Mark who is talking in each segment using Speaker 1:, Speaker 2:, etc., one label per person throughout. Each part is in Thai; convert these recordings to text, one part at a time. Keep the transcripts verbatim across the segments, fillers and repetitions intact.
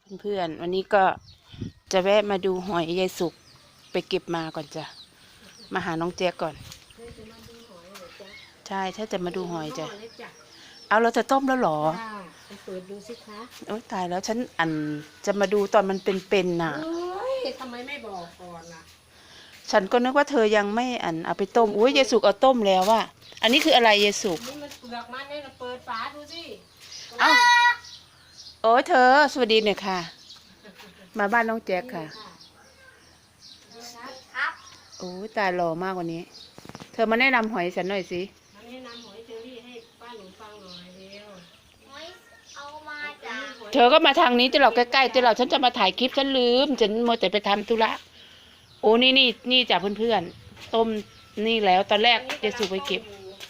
Speaker 1: เพื่อนๆวันนี้ก็จะแวะมาดูหอยยายสุกไปเก็บมาก่อนจ้ะมาหาน้องแจ๊กก่อนใช่ถ้าจะมาดูหอยจ้ะเอาเราจะต้มแล้วหรอ
Speaker 2: ไปเปิดดูสิคะ
Speaker 1: โอ๊ยตายแล้วฉันอันจะมาดูตอนมันเป็นๆน่ะ
Speaker 2: ทำไมไม่บอกก่อนล่ะ
Speaker 1: ฉันก็นึกว่าเธอยังไม่อันเอาไปต้มอุ้ยยายสุกเอาต้มแล้วว่ะอันนี้คืออะไรยายสุก
Speaker 2: นี่มันเปลือกมันเนี่ยเราเปิดฝาดูสิ
Speaker 1: เอ้าโอ้ยเธอสวัสดีเนี่ยค่ะมาบ้านน้องแจ๊กค่ะโอ้ยตายหล่อมากวันนี้เธอมาแนะนำหอยฉันหน่อยสิ
Speaker 2: มาแนะนำหอยเชอรี่ให้ป้าหนูฟังหน่อยเร็ว
Speaker 3: หอยเอามาจาก
Speaker 1: เธอก็มาทางนี้จะเราใกล้ๆจะเราฉันจะมาถ่ายคลิปฉันลืมฉันมัวแต่ไปทำธุระโอ้นี่นี่นี่จากเพื่อนๆต้มนี่แล้วตอนแรกยายสุกไปเก็บ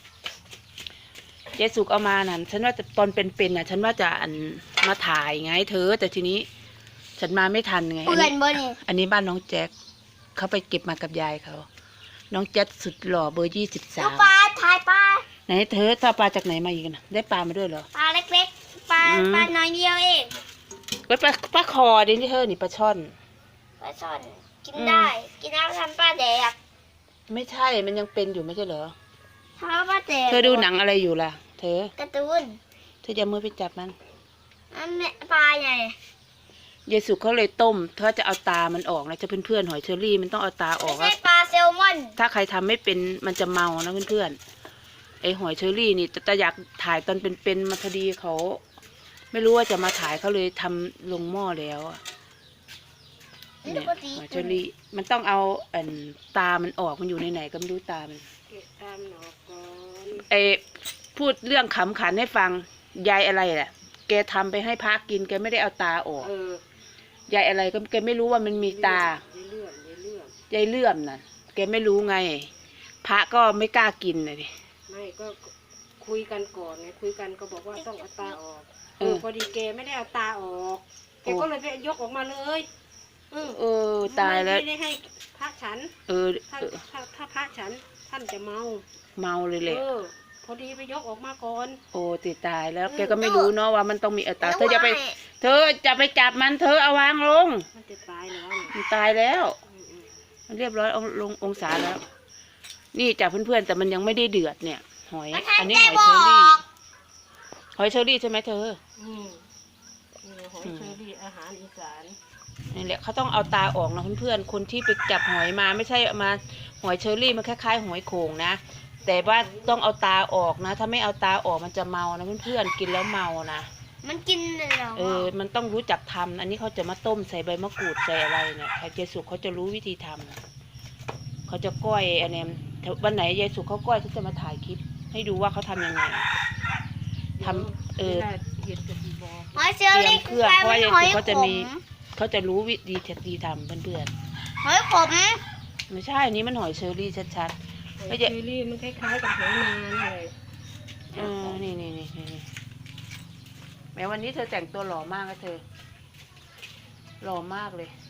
Speaker 1: ยายสุกเอามานั่นฉันว่าตอนเป็นๆน่ะฉันว่าจะอันมาถ่ายไงเธอแต่ทีนี้ฉันมาไม่ทันไงอันนี้อันนี้บ้านน้องแจ๊กเขาไปเก็บมากับยายเขาน้องแจ๊กสุดหล่อเบอร์ยี่สิบสาม
Speaker 3: ปลาถ่ายปลา
Speaker 1: ไหนเธอถ้าปลาจากไหนมาอีกนะได้ปลามาด้วยเหรอ
Speaker 3: ปลาเล็กๆปลาปลาน้อยเดียวเอง
Speaker 1: ไว้ปลาปลาคอดิที่เธอนี่ปลาช่อน
Speaker 3: ปลาช่อนกินได้กินน้ำทำปลาแดก
Speaker 1: ไม่ใช่มันยังเป็นอยู่ไม่ใช่เหรอ
Speaker 3: ทำปลาแดก
Speaker 1: เธอดูหนังอะไรอยู่ล่ะเธอ
Speaker 3: การ์ตูน
Speaker 1: เธอจะมือไปจับมัน
Speaker 3: อันนี้ปลาใหญ่
Speaker 1: ยายสุกเขาเลยต้มเธอจะเอาตามันออกนะจะเพื่อนๆหอยเชอรี่มันต้องเอาตาออก
Speaker 3: ไม่ใช่ปลาแซลมอน
Speaker 1: ถ้าใครทำไม่เป็นมันจะเมานะเพื่อนๆไอหอยเชอรี่นี่แต่อยากถ่ายตอนเป็นๆมาพอดีเขาไม่รู้ว่าจะมาถ่ายเขาเลยทำลงหม้อแล้วเนี่ยหอยเชอรี่มันต้องเอาอันตามันออกมันอยู่ในไหนก็ไม่รู้ตามัน
Speaker 2: เก็บตามหนอกก่อน
Speaker 1: ไอพูดเรื่องขำขันให้ฟังยายอะไรแหละแกทำไปให้พระกินแกไม่ได้เอาตาออกยายอะไรก็แกไม่รู้ว่ามันมีตายายเลื่อมน่ะแกไม่รู้ไงพระก็ไม่กล้ากินเลยดิ
Speaker 2: ไม่ก็คุยกันก่อนไงคุยกันก็บอกว่าต้องเอาตาออกเออพอดีแกไม่ได้เอาตาออกแกก็เลยไปยกออกมาเลย
Speaker 1: เออตายแล้ว
Speaker 2: ไม่ได้ให้พระฉัน
Speaker 1: เออ
Speaker 2: ถ้าถ้าพระฉันท่านจะเมา
Speaker 1: เมาเลยแหละ
Speaker 2: พอดีไปยกออกมาก่อน
Speaker 1: โอ้ติดตายแล้วแกก็ไม่รู้เนาะว่ามันต้องมีเอาตาเธอจะไปเธอจะไปจับมันเธอเอาวางลง
Speaker 2: มันจะตายแล้ว
Speaker 1: มันตายแล้วมันเรียบร้อยเอาลงองศาแล้วนี่จากเพื่อนๆแต่มันยังไม่ได้เดือดเนี่ยหอยอันนี้หอยเชอรี่หอยเชอรี่ใช่ไหมเธอ
Speaker 2: อืมหอยเชอรี่อาหารอีสาน
Speaker 1: นี่แหละเขาต้องเอาตาออกนะเพื่อนๆคนที่ไปจับหอยมาไม่ใช่มาหอยเชอรี่มันคล้ายๆหอยโข่งนะแต่ว่าต้องเอาตาออกนะถ้าไม่เอาตาออกมันจะเมานะเพื่อนๆกินแล้วเมานะ
Speaker 3: มันกินเลยเหรอ
Speaker 1: เออมันต้องรู้จักทำอันนี้เขาจะมาต้มใส่ใบมะกรูดใส่อะไรเนี่ยใครเจสุกเขาจะรู้วิธีทำเขาจะก้อยอันนี้วันไหนยายสุกเขาก้อยเขาจะมาถ่ายคลิปให้ดูว่าเขาทำยังไงทำเออ
Speaker 3: หอยเชอรี่
Speaker 1: เครื่องเพราะว่ายายสุกเขาจะมีเขาจะรู้วิธีที่ทำเพื่อน
Speaker 3: ๆหอยขม
Speaker 1: ไม่ใช่อันนี้มันหอยเชอรี่ชัดๆ
Speaker 2: หอยเชอรี่มันคล้ายๆกับหอยนางเลย
Speaker 1: เออนี่นี่นี่นี่แม้วันนี้เธอแต่งตัวหล่อมากนะเธอหล่อมากเลย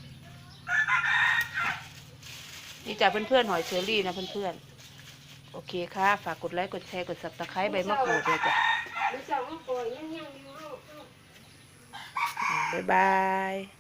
Speaker 1: นี่จากเพื่อนๆหอยเชอรี่นะเพื่อนๆโอเคค่ะฝากกดไลค์กดแชร์กดซับสไครต์ใบมะกรูดเลยจ้ะบ๊ายบาย